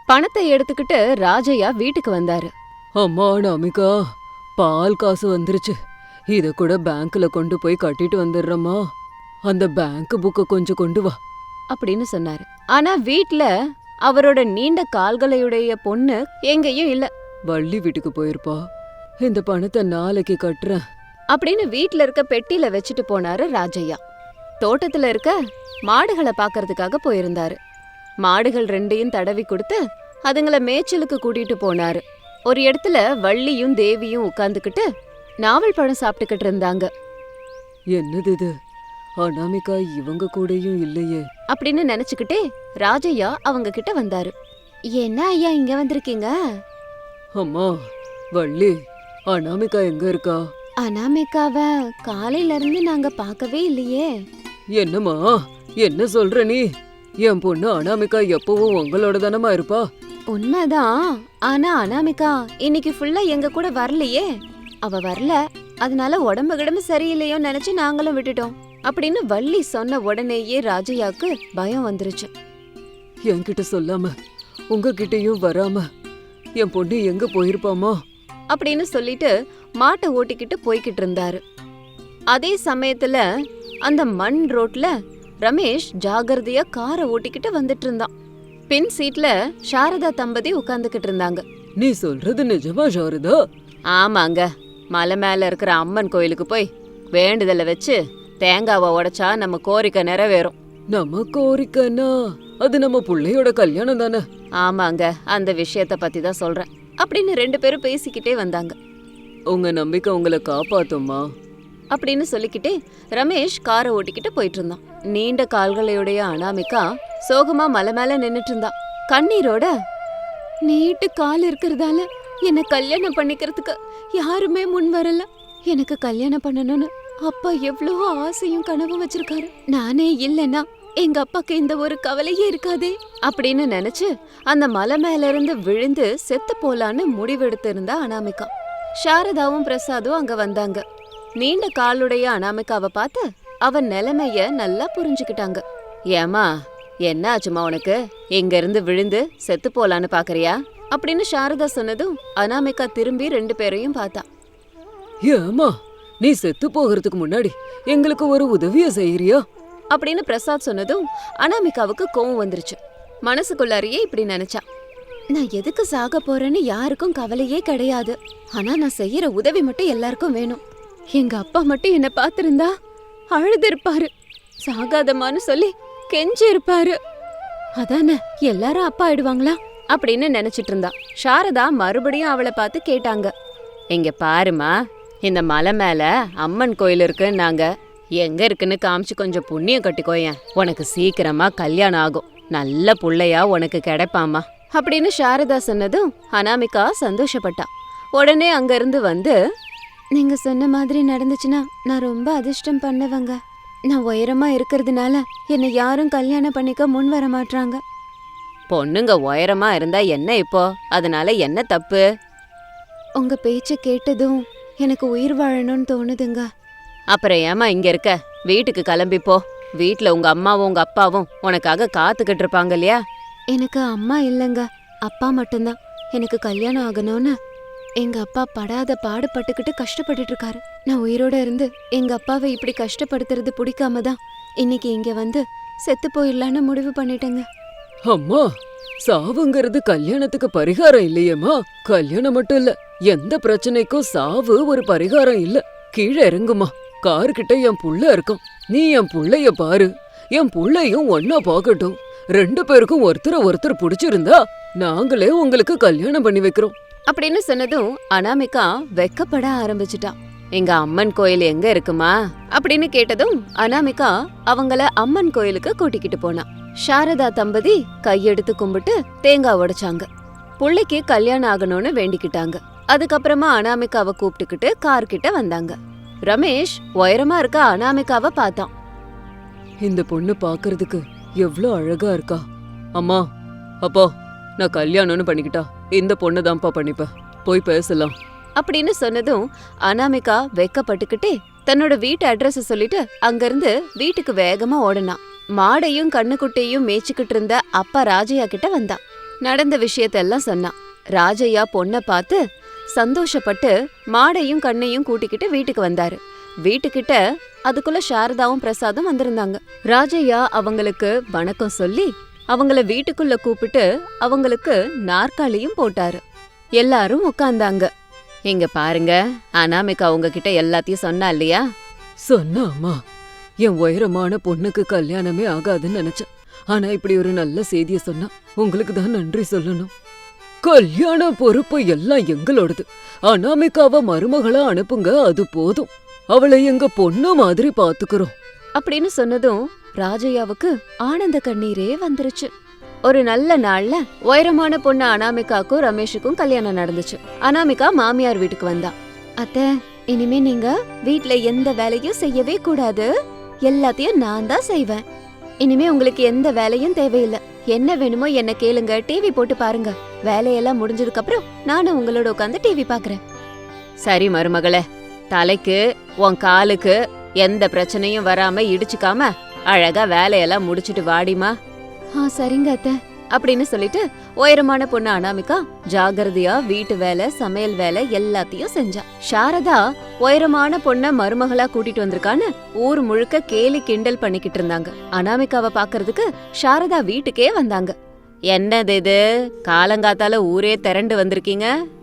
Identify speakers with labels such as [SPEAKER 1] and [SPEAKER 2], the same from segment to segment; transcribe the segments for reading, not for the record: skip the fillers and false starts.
[SPEAKER 1] பணத்தை எடுத்துக்கிட்டு ராஜையா வீட்டுக்கு வந்தாரு.
[SPEAKER 2] அம்மா அனாமிகா, பால் காசு வந்துருச்சு. இத கூட பேங்க்ல கொண்டு போய் கட்டிட்டு வந்துடுறம்மா. அந்த பேங்க் புக்க கொஞ்சம் கொண்டு வா
[SPEAKER 1] அப்படின்னு சொன்னாரு. ஆனா வீட்ல அவரோட நீண்ட கால்களையுடைய பொண்ணு எங்கேயும் இல்ல.
[SPEAKER 2] வள்ளி வீட்டுக்கு போயிருப்பா. இந்த பணத்தை நாளைக்கு கட்டுறேன்
[SPEAKER 1] அப்படின்னு வீட்ல இருக்க பெட்டியில வச்சுட்டு போனாரு ராஜையா. தோட்டத்துல இருக்க மாடுகளை பாக்கறதுக்காக போயிருந்தாரு. மாடுகள் ரெண்டையும் தடவி கொடுத்து அதுங்கள மேய்ச்சலுக்கு கூட்டிட்டு போனாரு. ஒரு இடத்துல வள்ளியும் தேவியும் உட்கார்ந்துகிட்டு நாவல் பழம் சாப்பிட்டுக்கிட்டு இருந்தாங்க.
[SPEAKER 2] என்னது இது, அனாமிகா இவங்க கூடயும் இல்லையே
[SPEAKER 1] அப்படின்னு நினைச்சுக்கிட்டே ராஜையா அவங்க கிட்ட வந்தாரு. என்ன ஐயா இங்க வந்திருக்கீங்க?
[SPEAKER 2] அம்மா வள்ளி, அனாமிகா எங்க இருக்கா?
[SPEAKER 1] அனாமிகாவ காலையில இருந்து நாங்க பார்க்கவே இல்லையே.
[SPEAKER 2] என்னம்மா என்ன சொல்ற நீ? என் பொண்ணு அனாமிகா எப்பவும் உங்களோட தானமா இருப்பா.
[SPEAKER 1] உண்மைதான். ஆனா அனாமிகா இன்னைக்கு ஃபுல்லா எங்க கூட வரலையே. அவ வரல, அதனால உடம்பு கிடம்பு சரியில்லையோ நினைச்சு நாங்களும் விட்டுட்டோம் அப்படின்னு வள்ளி சொன்ன உடனேயே ராஜையாக்கு பயம் வந்துருச்சு.
[SPEAKER 2] என்கிட்ட சொல்லாம உங்ககிட்டயும் வராம என் பொண்ணு எங்க போயிருப்பாமா
[SPEAKER 1] அப்படின்னு சொல்லிட்டு மாட்டை ஓட்டிக்கிட்டு போய்கிட்டு இருந்தாரு. அதே சமயத்துல அந்த மண் ரோட்ல ரமேஷ் ஜாகிரதையா காரை ஓட்டிக்கிட்டு வந்துட்டு இருந்தான். பின் சீட்ல சாரதா தம்பதி உட்கார்ந்துகிட்டு இருந்தாங்க.
[SPEAKER 2] நீ சொல்றது நிஜமா சாரதா?
[SPEAKER 1] ஆமாங்க, மலை மேல இருக்கிற அம்மன் கோயிலுக்கு போய் வேண்டுதலை வச்சு தேங்காவை உடைச்சா நம்ம கோரிக்கை நிறைவேறும்.
[SPEAKER 2] நம்ம கோரிக்கைன்னா அது நம்ம புள்ளையோட கல்யாணம் தானே?
[SPEAKER 1] ஆமாங்க, அந்த விஷயத்த பத்தி தான் சொல்றேன் அப்படின்னு ரெண்டு பேரும் பேசிக்கிட்டே வந்தாங்க.
[SPEAKER 2] உங்க நம்பிக்கை உங்களை காப்பாத்தும்மா
[SPEAKER 1] அப்படின்னு சொல்லிக்கிட்டே ரமேஷ் காரை ஓட்டிக்கிட்டு போயிட்டு இருந்தான். நீண்ட கால்களையுடைய அனாமிகா சோகமா மலை மேல நின்னுட்டு இருந்தா. கண்ணீரோட, நீட்டு கால் இருக்கிறதால என்ன கல்யாணம் பண்ணிக்கிறதுக்கு யாருமே முன் வரல. எனக்கு கல்யாணம் பண்ணணும்னு அப்பா எவ்வளவோ ஆசையும் கனவும் வச்சிருக்காரு. நானே இல்லைன்னா எங்க அப்பாக்கு இந்த ஒரு கவலையே இருக்காதே அப்படின்னு நினைச்சு அந்த மலை மேல இருந்து விழுந்து செத்து போலான்னு முடிவெடுத்து இருந்தா அனாமிகா. சாரதாவும் பிரசாதும் அங்க வந்தாங்க. நீண்ட காலுடைய அனாமிகாவை பார்த்து அவன் நிலைமைய நல்லா புரிஞ்சுக்கிட்டாங்க. ஏமா என்ன ஆச்சுமா உனக்கு? இங்க இருந்து விழுந்து செத்து போலான்னு பாக்குறியா அப்படின்னு சாரதா சொன்னதும் அனாமிகா திரும்பி ரெண்டு பேரையும் பார்த்தா.
[SPEAKER 2] ஏமா நீ செத்து போகிறதுக்கு முன்னாடி எங்களுக்கு ஒரு உதவிய செய்யறியா
[SPEAKER 1] அப்படின்னு பிரசாத் சொன்னதும் அனாமிகாவுக்கு கோவம் வந்துருச்சு. மனசுக்குள்ளாரியே இப்படி நினைச்சா, நான் எதுக்கு சாக போறேன்னு யாருக்கும் கவலையே கிடையாது. ஆனா நான் செய்யற உதவி மட்டும் எல்லாருக்கும் வேணும். எங்க அப்பா மட்டும் என்ன பாத்திருந்தா அழுது சாகாதமான்னு சொல்லி கெஞ்சி இருப்பாரு. அதானே எல்லாரும் அப்பா ஆயிடுவாங்களா அப்படின்னு நினைச்சிட்டு இருந்தா. சாரதா மறுபடியும் அவளை பார்த்து கேட்டாங்க. இங்க பாருமா, இந்த மலை மேல அம்மன் கோயில் இருக்குன்னாங்க. எங்க இருக்குன்னு காமிச்சு கொஞ்சம் புண்ணியம் கட்டிக்கோயேன். உனக்கு சீக்கிரமா கல்யாணம் ஆகும், நல்ல புள்ளையா உனக்கு கிடைப்பாமா அப்படின்னு சாரதா சொன்னதும் அனாமிகா சந்தோஷப்பட்டா. உடனே அங்க இருந்து வந்து, நீங்க சொன்ன மாதிரி நடந்துச்சுன்னா நான் ரொம்ப அதிர்ஷ்டம் பண்ணவங்க. நான் உயரமா இருக்கிறதுனால என்னை யாரும் கல்யாணம் பண்ணிக்க முன் வர மாட்டாங்க. பொண்ணுங்க உயரமா இருந்தா என்ன இப்போ? அதனால என்ன தப்பு? உங்க பேச்ச கேட்டதும் எனக்கு உயிர் வாழணும்னு தோணுதுங்க. அப்புறம் ஏமா இங்க இருக்க? வீட்டுக்கு கிளம்பிப்போ. வீட்டுல உங்க அம்மாவும் உங்க அப்பாவும் உனக்காக காத்துக்கிட்டு இருப்பாங்க இல்லையா? எனக்கு அம்மா இல்லைங்க, அப்பா மட்டும்தான். எனக்கு கல்யாணம் ஆகணும்னு எங்க அப்பா படாத பாடுபட்டுக்கிட்டு கஷ்டப்பட்டுட்டு இருக்காரு. நான் உயிரோட இருந்து எங்க அப்பாவை இப்படி கஷ்டப்படுத்துறது பிடிக்காம தான் இன்னைக்கு இங்க வந்து செத்து போயிடலான்னு முடிவு பண்ணிட்டேங்க.
[SPEAKER 2] அம்மா, சாவுங்கிறது கல்யாணத்துக்கு பரிகாரம் இல்லையேம்மா. கல்யாணம் மட்டும் இல்ல, எந்த பிரச்சனைக்கும் சாவு ஒரு பரிகாரம் இல்ல. கீழே இறங்குமா, கார்கிட்ட என் புள்ள இருக்கும். நீ என் புள்ளைய பாரு, என் புள்ளையும் ஒன்னா பாக்கட்டும். ரெண்டு பேருக்கும் ஒருத்தர் பிடிச்சிருந்தா நாங்களே உங்களுக்கு கல்யாணம் பண்ணி வைக்கிறோம்
[SPEAKER 1] அப்படின்னு சொன்னதும் அனாமிகா வெக்கப்பட ஆரம்பிச்சுட்டா. எங்க அம்மன் கோயில் எங்க இருக்குமா அப்படின்னு கேட்டதும் அனாமிகா அவங்கள அம்மன் கோயிலுக்கு கூட்டிக்கிட்டு போனா. சாரதா தம்பதி கையெடுத்து கும்பிட்டு தேங்காய் உடைச்சாங்க. புள்ளைக்கு கல்யாணம் ஆகணும்னு வேண்டிக்கிட்டாங்க. அதுக்கப்புறமா அனாமிகாவை கூப்பிட்டுக்கிட்டு கார் கிட்ட வந்தாங்க. ரமேஷ் உயரமா இருக்க அனாமிகாவை பார்த்தான்.
[SPEAKER 2] இந்த பொண்ணு பாக்குறதுக்கு எவ்வளவு அழகா இருக்கா. அம்மா அப்பா, நான் கல்யாணம்னு பண்ணிக்கிட்டா இந்த பொண்ணு தான்ப்பா பண்ணிப்பேன், போய் பேசலாம்
[SPEAKER 1] அப்படின்னு சொன்னதும் அனாமிகா வெக்கப்பட்டுக்கிட்டே தன்னோட வீட்டு அட்ரஸ் சொல்லிட்டு அங்கிருந்து வீட்டுக்கு வேகமா ஓடனா. மாடையும் கண்ணுக்குட்டையும் மேய்ச்சிக்கிட்டு இருந்த அப்பா ராஜையா கிட்ட வந்தா. நடந்த விஷயத்தெல்லாம் சொன்னான். ராஜையா பொண்ணை பார்த்து சந்தோஷப்பட்டு மாடையும் கண்ணையும் கூட்டிக்கிட்டு வீட்டுக்கு வந்தாரு. வீட்டுக்கிட்ட அதுக்குள்ள சாரதாவும் பிரசாதும் வந்திருந்தாங்க. ராஜையா அவங்களுக்கு வணக்கம் சொல்லி அவங்கள வீட்டுக்குள்ள கூப்பிட்டு அவங்களுக்கு நாற்காலியும் போட்டாரு. எல்லாரும் உட்கார்ந்தாங்க. இங்க பாருங்க, அனாமிகா உங்ககிட்ட எல்லாத்தையும் சொன்னா இல்லையா?
[SPEAKER 2] சொன்னாமா, என் உயரமான பொண்ணுக்கு கல்யாணமே ஆகாதுன்னு நினைச்சேன். ஆனா இப்படி ஒரு நல்ல செய்திய சொன்னா உங்களுக்கு தான் நன்றி சொல்லணும். கல்யாண பொறுப்பு எல்லாம் எங்களோடது. அனாமிகாவ மருமகளா அனுப்புங்க, அது போதும். அவளை எங்க பொண்ணு மாதிரி பாத்துக்கிறோம்
[SPEAKER 1] அப்படின்னு சொன்னதும் ராஜையாவுக்கு ஆனந்த கண்ணீரே வந்துருச்சு. ஒரு நல்ல நாள்ல உயரமான பொண்ணு அனாமிகாக்கும் ரமேஷுக்கும் கல்யாணம் நடந்துச்சு. அனாமிகா மாமியார் வீட்டுக்கு வந்தா. அத்தை, இனிமே நீங்க வீட்ல எந்த வேலையும் செய்யவே கூடாது. எல்லாத்தையும் நான் தான் செய்வேன். இனிமே உங்களுக்கு எந்த வேலையும் தேவையில்லை. என்ன வேணுமோ என்ன கேளுங்க, டிவி போட்டு பாருங்க. வேலையெல்லாம் முடிஞ்சதுக்கு அப்புறம் நானும் உங்களோட உட்காந்து டிவி பாக்குறேன். சரி மருமகளே, தலைக்கு உன் காலுக்கு எந்த பிரச்சனையும் வராம இடிச்சுக்காம அழகா வேலையெல்லாம் முடிச்சிட்டு வாடிமா. சரிங்க அத்தை அப்படின்னு சொல்லிட்டு உயரமான பொண்ணு அனாமிகா ஜாகிரதையா வீட்டு வேலை, சமையல் வேலை எல்லாத்தையும் செஞ்சா. சாரதா உயரமான பொண்ண மருமகளா கூட்டிட்டு வந்திருக்கான்னு ஊர் முழுக்க கேலி கிண்டல் பண்ணிக்கிட்டு இருந்தாங்க. அனாமிகாவை பாக்குறதுக்கு சாரதா வீட்டுக்கே வந்தாங்க. என்னது இது, காலங்காத்தால ஊரே திரண்டு வந்திருக்கீங்க?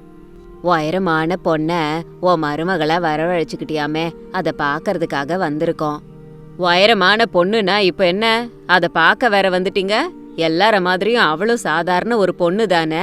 [SPEAKER 1] உயரமான பொண்ண உன் மருமகளா வரவழைச்சுக்கிட்டியாமே, அத பாக்கறதுக்காக வந்திருக்கோம். உயரமான பொண்ணுனா இப்ப என்ன, அத பாக்க வேற வந்துட்டீங்க? எல்லார மாதிரியும் அவளும் சாதாரண ஒரு பொண்ணு தானே.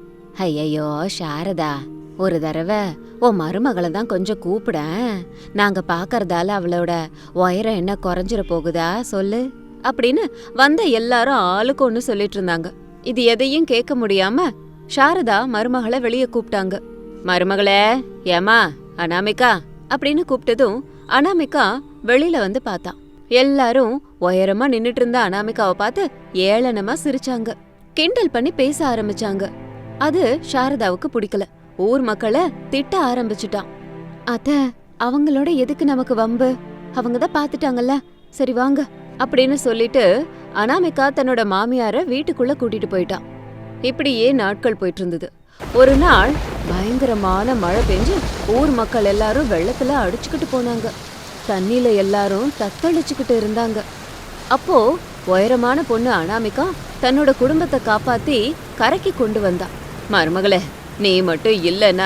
[SPEAKER 1] ஐயையோ சாரதா, ஒரு தடவை உன் மருமகளை தான் கொஞ்சம் கூப்பிடேன். நாங்க பாக்கறதால அவளோட உயரம் என்ன குறைஞ்சிட போகுதா சொல்லு அப்படின்னு வந்த எல்லாரும் ஆளுக்கு ஒன்னு சொல்லிட்டு இருந்தாங்க. இது எதையும் கேட்க முடியாம சாரதா மருமகளை வெளியே கூப்பிட்டாங்க. மருமகளே, ஏமா அனாமிகா அப்படின்னு கூப்பிட்டதும் அனாமிகா வெளியில வந்து பார்த்தா. எல்லாரும் உயரமா நின்னுட்டு இருந்த அனாமிகாவை பார்த்து ஏளனமா சிரிச்சாங்க, கிண்டல் பண்ணி பேச ஆரம்பிச்சாங்க. அது சாரதாவுக்கு பிடிக்கல. ஊர் மக்களை திட்ட ஆரம்பிச்சுட்டான். அத்த, அவங்களோட எதுக்கு நமக்கு வம்பு? அவங்கதான் பாத்துட்டாங்கல்ல, சரி வாங்க அப்படின்னு சொல்லிட்டு அனாமிகா தன்னோட மாமியார வீட்டுக்குள்ள கூட்டிட்டு போயிட்டான். இப்படியே நாட்கள் போயிட்டு இருந்தது. ஒரு நாள் பயங்கரமான மழை பெஞ்சு ஊர் மக்கள் எல்லாரும் வெள்ளத்துல அடிச்சுக்கிட்டு போனாங்க. தண்ணியில எல்லாரும் தத்தளிச்சுக்கிட்டு இருந்தாங்க. அப்போ உயரமான பொண்ணு அனாமிகா தன்னோட குடும்பத்தை காப்பாத்தி கரைக்கு கொண்டு வந்தா. மருமகளே, நீ மட்டும் இல்லனா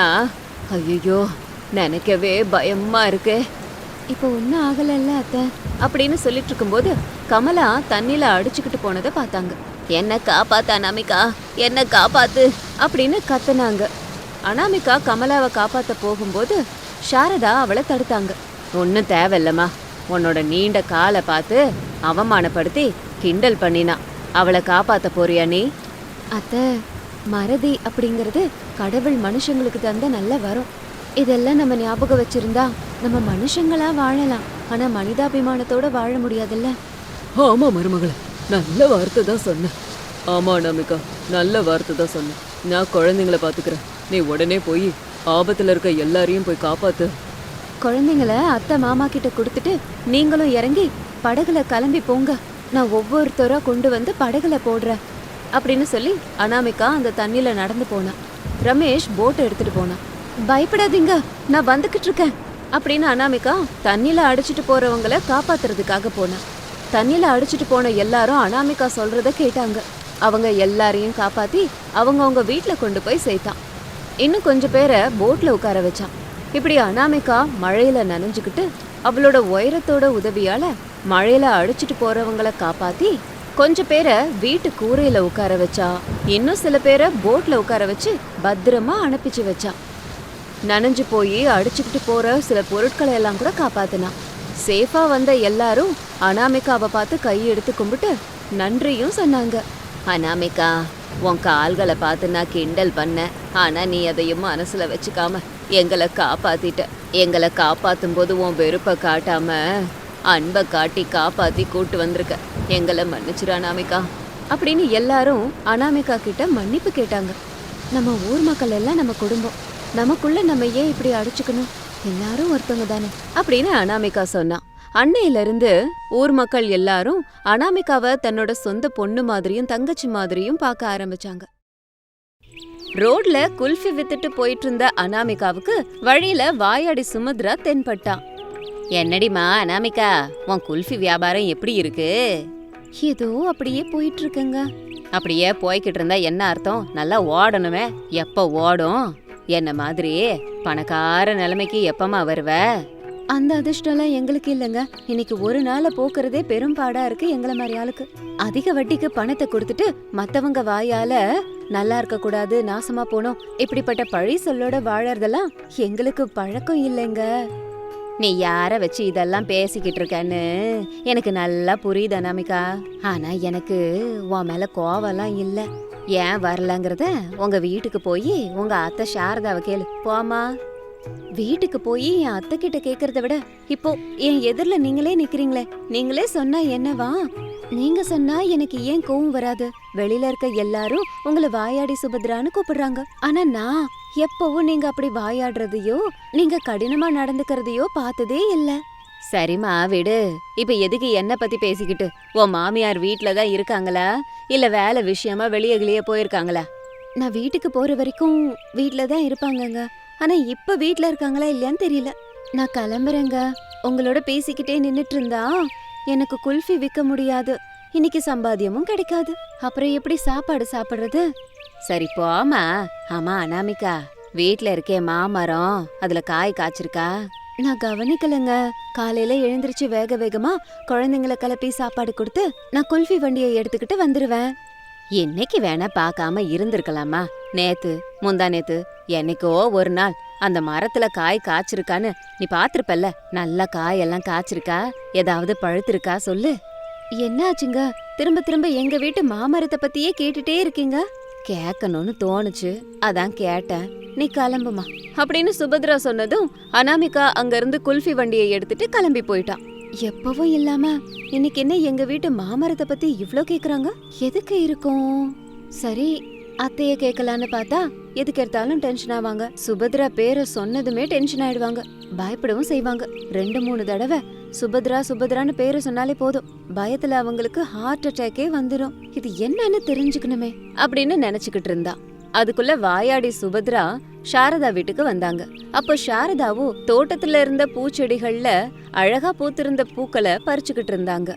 [SPEAKER 1] ஐயோ நினைக்கவே பயமா இருக்கு. இப்போ ஒன்னும் ஆகலல்ல அத்தை அப்படின்னு சொல்லிட்டு இருக்கும்போது கமலா தண்ணியில அடிச்சுக்கிட்டு போனதை பார்த்தாங்க. என்ன காப்பாத்து அனாமிகா, என்ன காப்பாத்து அப்படின்னு கத்துனாங்க. அனாமிகா கமலாவை காப்பாத்த போகும்போது சாரதா அவளை தடுத்தாங்க. ஒன்னும் தேவையில்லம்மா, உன்னோட நீண்ட காலை பார்த்து அவமானப்படுத்தி கிண்டல் பண்ணினா. அவளை காப்பாத்த போறியா நீ? அத்தை, மறதி அப்படிங்கறது கடவுள் மனுஷங்களுக்கு தந்த நல்ல வரம். இதெல்லாம் நம்ம ஞாபகம் வச்சிருந்தா நம்ம மனுஷங்களா வாழலாம். ஆனா மனிதாபிமானத்தோட வாழ முடியாதுல்ல.
[SPEAKER 2] ஆமா மருமகளே, நல்ல வார்த்தை தான் சொன்ன. ஆமா அனாமிகா, நல்ல வார்த்தை தான் சொன்ன. நான் குழந்தைங்கள பாத்துக்கிறேன், நீ உடனே போய் ஆபத்துல இருக்க எல்லாரையும் போய் காப்பாத்து.
[SPEAKER 1] குழந்தைங்கள அத்தை மாமா கிட்ட கொடுத்துட்டு நீங்களும் இறங்கி படகுல கிளம்பி போங்க. நான் ஒவ்வொருத்தரா கொண்டு வந்து படகுல போடுறேன் அப்படின்னு சொல்லி அனாமிகா அந்த தண்ணியில நடந்து போனா. ரமேஷ் போட் எடுத்துட்டு போனான். பயப்படாதீங்க, நான் வந்துகிட்டு இருக்கேன் அப்படின்னு அனாமிகா தண்ணியில அடிச்சிட்டு போறவங்கள காப்பாத்துறதுக்காக போனா. தண்ணியில அடிச்சிட்டு போன எல்லாரும் அனாமிகா சொல்றத கேட்டாங்க. அவங்க எல்லாரையும் காப்பாத்தி அவங்க வீட்டுல கொண்டு போய் சேர்த்தான். இன்னும் கொஞ்சம் பேரை போட்ல உட்கார வச்சான். இப்படி அனாமிகா மழையில நனைஞ்சுக்கிட்டு அவளோட உயரத்தோட உதவியால மழையில அடிச்சிட்டு போறவங்கள காப்பாத்தி கொஞ்சம் பேரை வீட்டு கூரையில உட்கார வச்சா. இன்னும் சில பேரை போட்ல உட்கார வச்சு பத்திரமா அனுப்பிச்சு வச்சா. நனைஞ்சு போய் அடிச்சுக்கிட்டு போற சில பொருட்களை எல்லாம் கூட காப்பாத்தினா. சேஃபா வந்த எல்லாரும் அனாமிகாவை பார்த்து கையெடுத்து கும்பிட்டு நன்றியும் சொன்னாங்க. அனாமிகா, உன் கால்களை பார்த்து நான் கிண்டல் பண்ண, ஆனா நீ அதையும் மனசுல வச்சுக்காம எங்களை காப்பாத்திட்ட. எங்களை காப்பாத்தும் போது உன் வெறுப்பை காட்டாம அன்பை காட்டி காப்பாத்தி கூட்டு வந்திருக்க. எங்களை மன்னிச்சிரு அனாமிகா அப்படின்னு எல்லாரும் அனாமிகா கிட்ட மன்னிப்பு கேட்டாங்க. நம்ம ஊர் மக்கள் எல்லாம் நம்ம குடும்பம், நமக்குள்ள நம்ம ஏன் இப்படி அடிச்சுக்கணும்? எல்லாரும் ஒருத்தவங்க தானே அப்படின்னு அனாமிகா சொன்னா. அன்னையில இருந்து ஊர் மக்கள் எல்லாரும் அனாமிகாவை தன்னோட சொந்த பொண்ணு மாதிரியும் தங்கச்சி மாதிரியும் பார்க்க ஆரம்பிச்சாங்க. ரோட்ல குல்ஃபி வித்துட்டு போயிட்டு இருந்த அனாமிகாவுக்கு வழியில வாயாடி சுமத்ரா தென்பட்டான். என்னடிமா அனாமிகா, உன் குல்ஃபி வியாபாரம் எப்படி இருக்கு? ஏதோ அப்படியே போயிட்டு இருக்குங்க. அப்படியே போய்கிட்டு இருந்தா என்ன அர்த்தம்? நல்லா ஓடணுமே. எப்ப ஓடும்? என்ன மாதிரி பணக்கார நிலைமைக்கு எப்பமா வருவ? அந்த அதிர்ஷ்டம்லாம் எங்களுக்கு இல்லைங்க. இன்னைக்கு ஒரு நாள போக்குறதே பெரும்பாடா இருக்கு எங்களை மாதிரி ஆளுக்கு. அதிக வட்டிக்கு பணத்தை கொடுத்துட்டு மத்தவங்க வாயால நல்லா இருக்க கூடாது, நாசமா போனோம் இப்படிப்பட்ட பழி சொல்லோட வாழறதெல்லாம் எங்களுக்கு பழக்கம் இல்லைங்க. நீ யார வச்சு இதெல்லாம் பேசிக்கிட்டு இருக்கன்னு எனக்கு நல்லா புரியுது அனாமிகா. ஆனா எனக்கு உன் மேல கோவம்லாம் இல்ல. ஏன் வரலங்கிறத உங்க வீட்டுக்கு போய் உங்க அத்தை சாரதாவை கேளு. போமா. வீட்டுக்கு போய் என் அத்தை கிட்ட கேக்குறத விட இப்போ என் எதிரில நீங்களே நிக்கிறீங்களே, நீங்களே சொன்னா என்னவா? நீங்க சொன்னா எனக்கு ஏன் கோவம் வராது? வெளியில இருக்க எல்லாரும் உங்களை வாயாடி சுபத்ரான்னு கூப்பிடுறாங்க. ஆனா நான் எப்பவும் நீங்க அப்படி வாயாடுறதையோ நீங்க கடினமா நடந்துக்கிறதையோ பார்த்ததே இல்ல. சரிம்மா விடு. இப்ப எதுக்கு என்ன பத்தி பேசிக்கிட்டு? உன் மாமியார் வீட்லதான் இருக்காங்களா இல்ல வேலை விஷயமா வெளியே போயிருக்காங்களா? நான் வீட்டுக்கு போற வரைக்கும் வீட்லதான் இருப்பாங்கங்க. ஆனா இப்ப வீட்ல இருக்காங்களா இல்லையான்னு தெரியல. நான் கிளம்புறேங்க. உங்களோட பேசிக்கிட்டே நின்னுட்டு இருந்தா எனக்கு குல்ஃபி விற்க முடியாது. இன்னைக்கு சம்பாத்தியமும் கிடைக்காது. அப்புறம் எப்படி சாப்பாடு சாப்பிடுறது? சரி போமா. ஆமா அனாமிகா, வீட்ல இருக்கே மாமரம், அதுல காய் காய்ச்சிருக்கா? நான் கவனிக்கலங்க. காலையில எழுந்திருச்சு வேக வேகமா குழந்தைங்களை கிளப்பி சாப்பாடு கொடுத்து நான் குல்ஃபி வண்டியை எடுத்துக்கிட்டு வந்துருவேன். என்னைக்கு வேணா பார்க்காம இருந்திருக்கலாமா? நேத்து முந்தா நேத்து என்னைக்கோ ஒரு நாள் அந்த மரத்துல காய் காய்ச்சிருக்கான்னு நீ பாத்திருப்பல்ல. நல்ல காயெல்லாம் காய்ச்சிருக்கா? ஏதாவது பழுத்திருக்கா சொல்லு. என்னாச்சுங்க? திரும்ப திரும்ப எங்க வீட்டு மாமரத்தை பத்தியே கேட்டுட்டே இருக்கீங்க. கேட்கணும்னு தோணுச்சு, அதான் கேட்டேன். நீ கிளம்புமா அப்படின்னு சுபத்ரா சொன்னதும் அனாமிகா அங்க இருந்து குல்ஃபி வண்டியை எடுத்துட்டு கிளம்பி போயிட்டான். எப்பவும் இல்லாம இன்னைக்கு என்ன எங்க வீட்டு மாமரத்தை பத்தி இவ்ளோ கேக்குறாங்க? எதுக்கு இருக்கும்? சரி அத்தைய கேட்கலான்னு பார்த்தா எதுக்கு எடுத்தாலும் டென்ஷன் ஆவாங்க. சுபத்ரா பேரை சொன்னதுமே டென்ஷன் ஆயிடுவாங்க, பயப்படவும் செய்வாங்க. 2-3 தடவை சுபத்ரா சுபத்ரான்னு பேரை சொன்னாலே போதும், பயத்துல அவங்களுக்கு ஹார்ட் அட்டாக்கே வந்துடும். இது என்னன்னு தெரிஞ்சுக்கணுமே அப்படின்னு நினைச்சுக்கிட்டு இருந்தா. அதுக்குள்ள வாயாடி சுபத்ரா சாரதா வீட்டுக்கு வந்தாங்க. அப்போ சாரதாவும் தோட்டத்துல இருந்த பூச்செடிகள்ல அழகா பூத்திருந்த பூக்களை பறிச்சுக்கிட்டு இருந்தாங்க.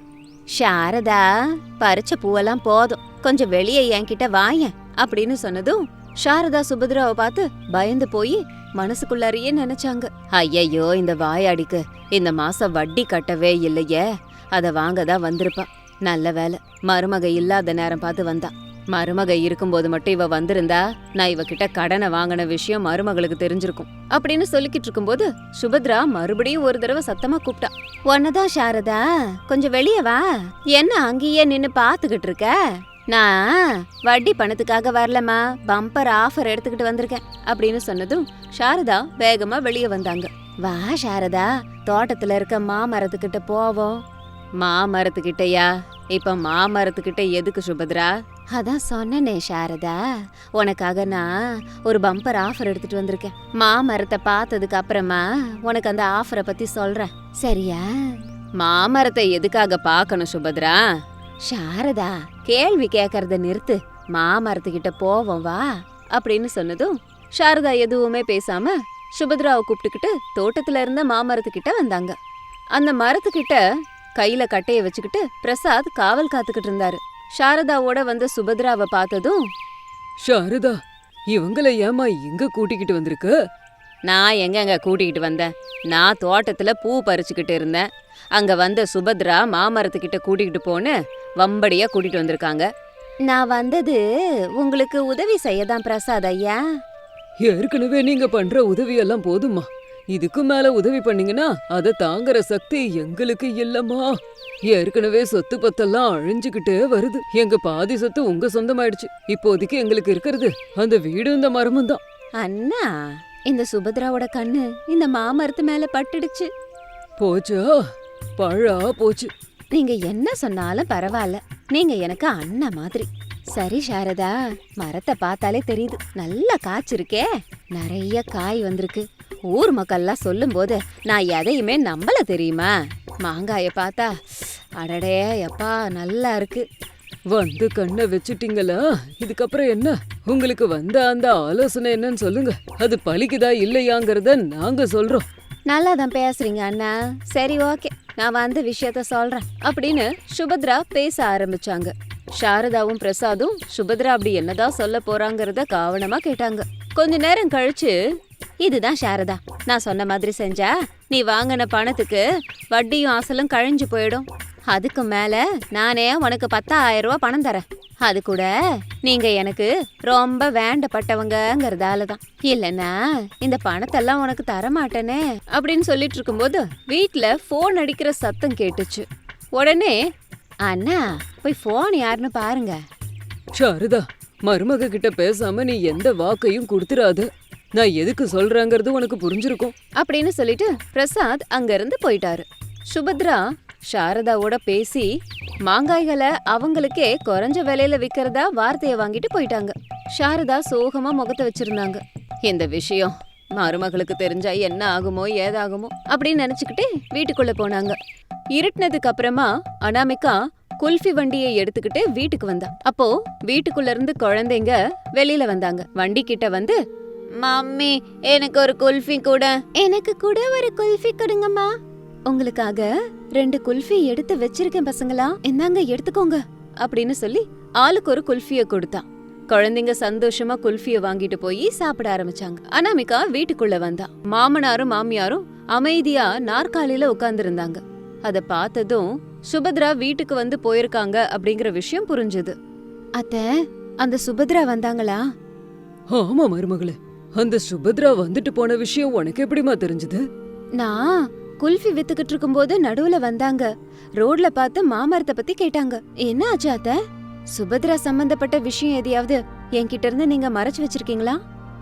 [SPEAKER 1] சாரதா, பறிச்ச பூவெல்லாம் போதும், கொஞ்சம் வெளியே என்கிட்ட வாயேன் அப்படின்னு சொன்னதும் சாரதா சுபத்ராவை பார்த்து பயந்து போய் மனசுக்குள்ளாரியே நினைச்சாங்க, ஐயையோ இந்த வாயாடிக்கு இந்த மாசம் வட்டி கட்டவே இல்லையே, அத வாங்கதான் வந்திருப்பா. நல்ல வேலை மருமக இல்லாத நேரம் பார்த்து வந்தா. மருமக இருக்கும்போது மட்டும் இவ வந்திருந்தா நான் இவகிட்ட கடனை வாங்கின விஷயம் மருமகளுக்கு தெரிஞ்சிருக்கும் அப்படின்னு சொல்லிக்கிட்டு இருக்கும்போது சுபத்ரா மறுபடியும் ஒரு தடவை சத்தமா கூப்பிட்டா. ஒன்னதான் சாரதா, கொஞ்சம் வெளியே வா. என்ன அங்கேயே நின்னு பாத்துக்கிட்டு இருக்க? நான் வட்டி பணத்துக்காக வரலமா, பம்பர் ஆஃபர் எடுத்துக்கிட்டு வந்திருக்கேன் அப்படின்னு சொன்னதும் சாரதா வேகமா வெளியே வந்தாங்க. வா சாரதா, தோட்டத்துல இருக்க மாமரத்துக்கிட்ட போவோம். மாமரத்துக்கிட்டயா? இப்ப மாமரத்துக்கிட்ட எதுக்கு சுபத்ரா? அதான் சொன்னனே சாரதா, உனக்காக நான் ஒரு பம்பர் ஆஃபர் எடுத்துட்டு வந்திருக்கேன். மாமரத்தை பார்த்ததுக்கு அப்புறமா உனக்கு அந்த ஆஃபரை பத்தி சொல்றேன், சரியா? மாமரத்தை எதுக்காக பார்க்கணும் சுபத்ரா? சாரதா, கேள்வி கேக்கறத நிறுத்து, மாமரத்துக்கிட்ட போவோம் வா அப்படின்னு சொன்னதும் சாரதா எதுவுமே பேசாம சுபத்ராவை கூப்பிட்டுக்கிட்டு தோட்டத்துல இருந்த மாமரத்துக்கிட்ட வந்தாங்க. அந்த மரத்துக்கிட்ட கையில கட்டைய வச்சுக்கிட்டு பிரசாத் காவல் காத்துக்கிட்டு இருந்தாரு. சாரதாவோட வந்த சுபத்ராவை பார்த்ததும்,
[SPEAKER 2] சாரதா, இவங்கள ஏமா இங்க கூட்டிக்கிட்டு வந்திருக்க?
[SPEAKER 1] நான் எங்கங்க கூட்டிகிட்டு வந்தேன்? நான் தோட்டத்துல பூ பறிச்சுக்கிட்டு இருந்தேன். அங்க வந்த சுபத்ரா மாமரத்துக்கிட்ட கூட்டிகிட்டு போன்னு வம்படியா கூட்டிட்டு வந்திருக்காங்க. நான் வந்தது உங்களுக்கு உதவி செய்யதான் பிரசாத் ஐயா.
[SPEAKER 2] ஏற்கனவே நீங்க பண்ற உதவியெல்லாம் போதுமா, இதுக்கு மேல உதவி பண்ணீங்கன்னா அதை தாங்குற சக்தி எங்களுக்கு இல்லம்மா. ஏற்கனவே சொத்து பத்தெல்லாம் அழிஞ்சுக்கிட்டே வருது. எங்க பாதி சொத்து உங்க சொந்தமாயிடுச்சு. இப்போதைக்கு எங்களுக்கு இருக்கிறது அந்த வீடு இந்த மரமும் தான்.
[SPEAKER 1] அண்ணா, இந்த சுபத்ராவோட கண்ணு இந்த மாமரத்து மேல பட்டுடுச்சு.
[SPEAKER 2] போச்சா? பழா போச்சு.
[SPEAKER 1] நீங்க என்ன சொன்னாலும் பரவாயில்ல, நீங்க எனக்கு அண்ணா மாதிரி. சரி சாரதா, மரத்தை பார்த்தாலே தெரியுது நல்லா காய்ச்சிருக்கே, நிறைய காய் வந்திருக்கு. ஊர் மக்கள்லாம் சொல்லும் போது நான் எதையுமே நம்பல தெரியுமா? மாங்காய பார்த்தா அடடே எப்பா நல்லா இருக்கு.
[SPEAKER 2] வந்து கண்ணை வச்சுட்டீங்களா? இதுக்கப்புறம் என்ன? உங்களுக்கு வந்த அந்த ஆலோசனை என்னன்னு சொல்லுங்க. அது பலிக்குதா இல்லையாங்கறத நாங்க சொல்றோம்.
[SPEAKER 1] நல்லா தான் பேசுறீங்க அண்ணா. சரி ஓகே, நான் வந்த விஷயத்த சொல்றேன் அப்படின்னு சுபத்ரா பேச ஆரம்பிச்சாங்க. சாரதாவும் பிரசாதும் சுபத்ரா அப்படி என்னதான் சொல்ல போறாங்கறத கவனமா கேட்டாங்க. கொஞ்ச நேரம் கழிச்சு, இதுதான் சாரதா, நான் சொன்ன மாதிரி செஞ்சா நீ வாங்கின பணத்துக்கு வட்டியும் அசலும் கழிஞ்சு போயிடும். அதுக்கு மேல நானே உனக்கு 10,000 ரூபாய் பணம் தரேன். அது கூட நீங்க எனக்கு ரொம்ப வேண்டப்பட்டவங்கங்கறதாலதான். இல்லன்னா இந்த பணத்தெல்லாம் உனக்கு தரமாட்டேனே அப்படின்னு சொல்லிட்டு இருக்கும்போது வீட்ல போன் அடிக்கிற சத்தம் கேட்டுச்சு. உடனே, அண்ணா போய் போன் யாருன்னு பாருங்க.
[SPEAKER 2] சாரதா, மருமக கிட்ட பேசாம நீ எந்த வாக்கையும் கொடுத்துறாத. நான் எதுக்கு சொல்றேங்கிறது உனக்கு புரிஞ்சிருக்கும்
[SPEAKER 1] அப்படின்னு சொல்லிட்டு பிரசாத் அங்க இருந்து போயிட்டாரு. சுபத்ரா சாரதாவோட பேசி மாங்காய்களை அவங்களுக்கே குறைஞ்ச விலையில விக்கிறதா வார்த்தைய வாங்கிட்டு போயிட்டாங்க. சாரதா சோகமா முகத்தை வச்சிருந்தாங்க. இந்த விஷயம் மருமகளுக்கு தெரிஞ்சா என்ன ஆகுமோ ஏதாகுமோ அப்படின்னு நினைச்சுக்கிட்டே வீட்டுக்குள்ள போனாங்க. இருட்டினதுக்கு அப்புறமா அனாமிகா குல்ஃபி வண்டியை எடுத்துக்கிட்டு வீட்டுக்கு வந்தா. அப்போ வீட்டுக்குள்ள இருந்து குழந்தைங்க வெளியில வந்தாங்க. வண்டி கிட்ட வந்து, மம்மி எனக்கு ஒரு குல்ஃபி கூட. எனக்கு கூட ஒரு குல்ஃபி கொடுங்கம்மா. உங்களுக்காக 2 குல்ஃபி எடுத்து வச்சிருக்கேன் பசங்களா, என்னங்க எடுத்துக்கோங்க அப்படின்னு சொல்லி ஆளுக்கு ஒரு குல்ஃபிய கொடுத்தா. குழந்தைங்க சந்தோஷமா குல்ஃபிய வாங்கிட்டு போய் சாப்பிட ஆரம்பிச்சாங்க. அனாமிகா வீட்டுக்குள்ள வந்தா. மாமனாரும் மாமியாரும் அமைதியா நாற்காலியில உட்கார்ந்து இருந்தாங்க. அத பார்த்ததும் சுபத்ரா வீட்டுக்கு வந்து போயிருக்காங்க அப்படிங்கிற விஷயம் புரிஞ்சுது. அத்தை, அந்த சுபத்ரா வந்தாங்களா?
[SPEAKER 2] ஆமா மருமகளே, அந்த சுபத்ரா வந்துட்டு போன விஷயம் உனக்கு எப்படிமா தெரிஞ்சது?
[SPEAKER 1] நான் குல்ஃபி வித்துக்கிட்டு இருக்கும்போது நடுவுல வந்தாங்க. ரோட்ல பார்த்து மாமரத்தை பத்தி கேட்டாங்க. என்ன ஆச்சு அத்தை? சுபத்ரா சம்பந்தப்பட்ட விஷயம் எதையாவது என்கிட்ட இருந்து நீங்க மறைச்சு வச்சிருக்கீங்களா?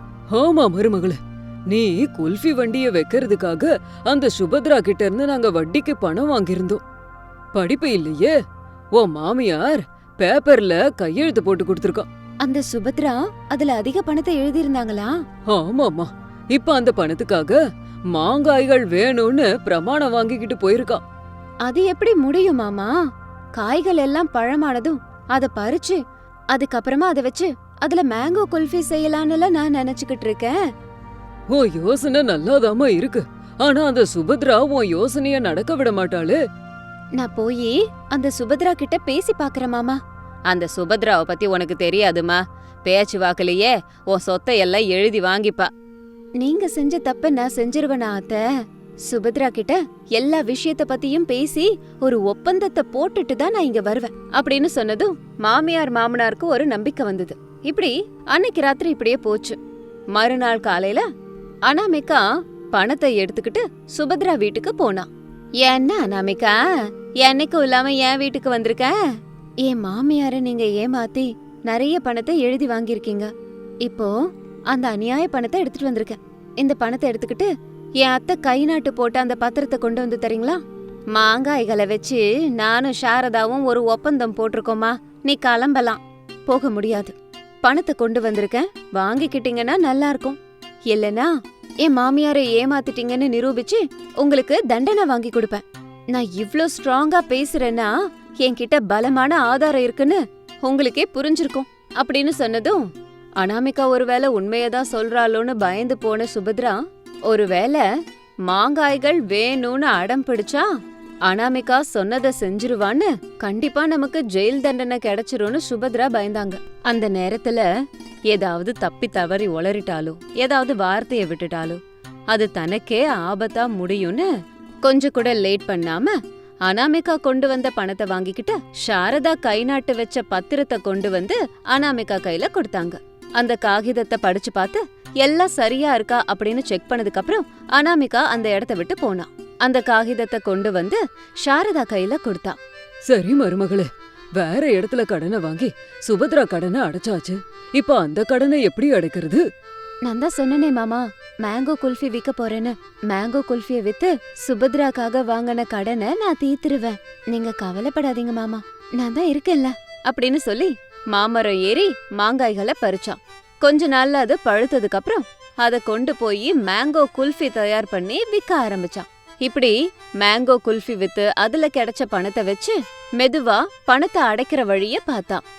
[SPEAKER 2] ஆமா மருமகளே, நீ குல்ஃபி வண்டிய வைக்கிறதுக்காக அந்த சுபத்ரா கிட்ட இருந்து நாங்க வட்டிக்கு பணம் வாங்கியிருந்தோம். படிப்பு இல்லையே, உன் மாமியார் பேப்பர்ல கையெழுத்து போட்டு கொடுத்திருக்கா.
[SPEAKER 1] அந்த சுபத்ரா அதுல அதிக பணத்தை எழுதியிருந்தாங்களா?
[SPEAKER 2] ஆமாமா, இப்ப அந்த பணத்துக்காக மாங்காய்கள் வேணும்னு பிரமாணம் வாங்கிக்கிட்டு போயிருக்கா.
[SPEAKER 1] அது எப்படி முடியும் மாமா? காய்கள் எல்லாம் பழமானதும் அத பறிச்சு அதுக்கப்புறமா அதை வச்சு அதுல மேங்கோ குல்ஃபி செய்யலான்னு நான் நினைச்சுக்கிட்டு இருக்கேன்.
[SPEAKER 2] உன் யோசனை நல்லாதாமா இருக்கு, ஆனா அந்த சுபத்ரா உன் யோசனைய நடக்க விட மாட்டாளே.
[SPEAKER 1] நான் போய் அந்த சுபத்ரா கிட்ட பேசி பாக்குறேன் மாமா. அந்த சுபத்ராவை பத்தி உனக்கு தெரியாதுமா. பேச்சு வாக்குலயே உன் சொத்தை எல்லாம் எழுதி வாங்கிப்பா. நீங்க செஞ்ச தப்ப நான் செஞ்சிருவேனா அத்தை? சுபத்ரா கிட்ட எல்லா விஷயத்த பத்தியும் பேசி ஒரு ஒப்பந்தத்தை போட்டுட்டு தான் நான் இங்க வருவேன் அப்படின்னு சொன்னதும் மாமியார் மாமனாருக்கு ஒரு நம்பிக்கை வந்தது. இப்படி அன்னைக்கு ராத்திரி இப்படியே போச்சு. மறுநாள் காலையில அனாமிகா பணத்தை எடுத்துக்கிட்டு சுபத்ரா வீட்டுக்கு போனா. என்ன அனாமிகா, என்னைக்கும் இல்லாம என் வீட்டுக்கு வந்திருக்க? என் மாமியார நீங்க ஏமாத்தி நிறைய பணத்தை எழுதி வாங்கியிருக்கீங்க. இப்போ அந்த அநியாய பணத்தை எடுத்துட்டு வந்திருக்கேன். இந்த பணத்தை எடுத்துக்கிட்டு என் அத்தை கை நாட்டு போட்ட அந்த பத்திரத்தை கொண்டு வந்து தரீங்களா? மாங்காய்களை வச்சு நானும் சாரதாவும் ஒரு ஒப்பந்தம் போட்டிருக்கோமா. நீ கிளம்பலாம். போக முடியாது. பணத்தை கொண்டு வந்திருக்கேன், வாங்கிக்கிட்டீங்கன்னா நல்லா இருக்கும். இல்லனா என் மாமியாரை ஏமாத்திட்டீங்கன்னு நிரூபிச்சு உங்களுக்கு தண்டனை வாங்கி கொடுப்பேன். நான் இவ்ளோ ஸ்ட்ராங்கா பேசுறேன்னா என்கிட்ட பலமான ஆதாரம் இருக்குன்னு உங்களுக்கே புரிஞ்சிருக்கும் அப்படின்னு சொன்னதும் அனாமிகா ஒருவேளை உண்மையதான் சொல்றாளோன்னு பயந்து போன சுபத்ரா, ஒருவேளை மாங்காய்கள் வேணும்னு அடம் பிடிச்சா அனாமிகா சொன்னதை செஞ்சிருவான்னு, கண்டிப்பா நமக்கு ஜெயில் தண்டனை கிடைச்சிரும்னு சுபத்ரா பயந்தாங்க. அந்த நேரத்துல ஏதாவது தப்பி தவறி உளறிட்டாலோ ஏதாவது வார்த்தைய விட்டுட்டாலோ அது தனக்கே ஆபத்தா முடியும்னு கொஞ்சம் கூட லேட் பண்ணாம அனாமிகா கொண்டு வந்த பணத்தை வாங்கிக்கிட்டு சாரதா கை நாட்டு வச்ச பத்திரத்தை கொண்டு வந்து அனாமிகா கையில கொடுத்தாங்க. அந்த காகிதத்தை படிச்சு பார்த்து எல்லாம் சரியா இருக்கா அப்படின்னு செக் பண்ணதுக்கு அப்புறம் அனாமிகா அந்த இடத்த விட்டு போனா. அந்த காகிதத்தை கொண்டு வந்து சாரதா கையில கொடுத்தா.
[SPEAKER 2] சரி மருமகளே, வேற இடத்துல கடனை வாங்கி சுபத்ரா கடனை அடைச்சாச்சு. இப்ப அந்த கடனை எப்படி அடைக்கிறது?
[SPEAKER 1] நான் தான் சொன்னனே மாமா, மேங்கோ குல்ஃபி விற்க போறேன்னு. மேங்கோ குல்ஃபிய வித்து சுபத்ராக்காக வாங்கின கடனை நான் தீத்துருவேன். நீங்க கவலைப்படாதீங்க மாமா, நான் தான் இருக்கேன்ல அப்படின்னு சொல்லி மாமரம் ஏறி மாங்காய்களை பறிச்சான். கொஞ்ச நாள்ல அது பழுத்ததுக்கு அப்புறம் அதை கொண்டு போய் மேங்கோ குல்ஃபி தயார் பண்ணி விற்க ஆரம்பிச்சான். இப்படி மேங்கோ குல்ஃபி வித்து அதுல கிடைச்ச பணத்தை வச்சு மெதுவா பணத்தை அடைக்கிற வழிய பார்த்தான்.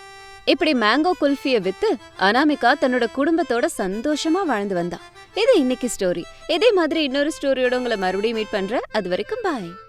[SPEAKER 1] இப்படி மேங்கோ குல்ஃபிய வித்து அனாமிகா தன்னோட குடும்பத்தோட சந்தோஷமா வாழ்ந்து வந்தா. இது இன்னைக்கு ஸ்டோரி. இதே மாதிரி இன்னொரு ஸ்டோரியோட உங்களை மறுபடியும் மீட் பண்றேன். அது வரைக்கும் பாய்.